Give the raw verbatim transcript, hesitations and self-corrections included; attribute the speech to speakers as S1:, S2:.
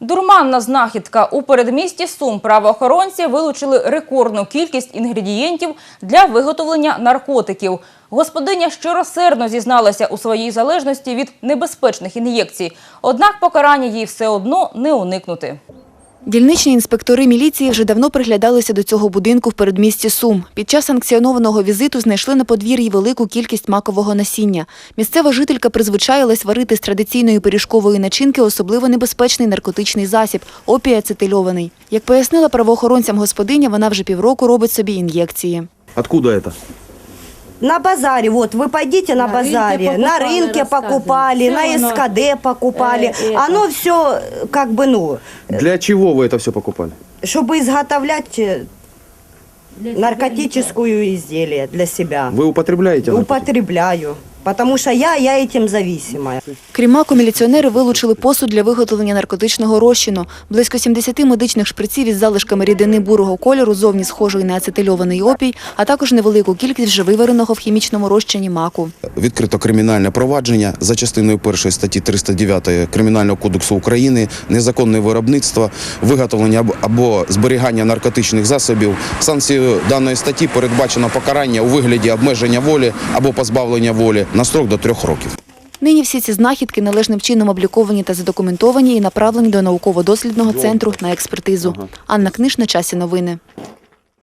S1: Дурманна знахідка. У передмісті Сум правоохоронці вилучили рекордну кількість інгредієнтів для виготовлення наркотиків. Господиня щиросердно зізналася у своїй залежності від небезпечних ін'єкцій. Однак покарання їй все одно не уникнути.
S2: Дільничні інспектори міліції вже давно приглядалися до цього будинку в передмісті Сум. Під час санкціонованого візиту знайшли на подвір'ї велику кількість макового насіння. Місцева жителька призвичаїлась варити з традиційної пиріжкової начинки особливо небезпечний наркотичний засіб – опій ацетильований. Як пояснила правоохоронцям господиня, вона вже півроку робить собі ін'єкції.
S3: Откуда це?
S4: На базаре, вот вы пойдите на, на базаре, покупали, на рынке покупали, на эс ка дэ покупали. Э, оно все как бы, ну...
S3: Для чего вы это все покупали?
S4: Чтобы изготовлять наркотическую изделие для себя.
S3: Вы употребляете наркотики?
S4: Употребляю. Потому що я, я этим зависима.
S2: Крім маку, міліціонери вилучили посуд для виготовлення наркотичного розчину. Близько сімдесяти медичних шприців із залишками рідини бурого кольору, зовні схожої на ацетильований опій, а також невелику кількість вже вивареного в хімічному розчині маку.
S5: Відкрито кримінальне провадження за частиною першої статті триста дев'ятої Кримінального кодексу України незаконне виробництво, виготовлення або зберігання наркотичних засобів. Санкцією даної статті передбачено покарання у вигляді обмеження волі або позбавлення волі на строк до трьох років.
S2: Нині всі ці знахідки належним чином обліковані та задокументовані і направлені до науково-дослідного центру на експертизу. Анна Книж, на часі новини.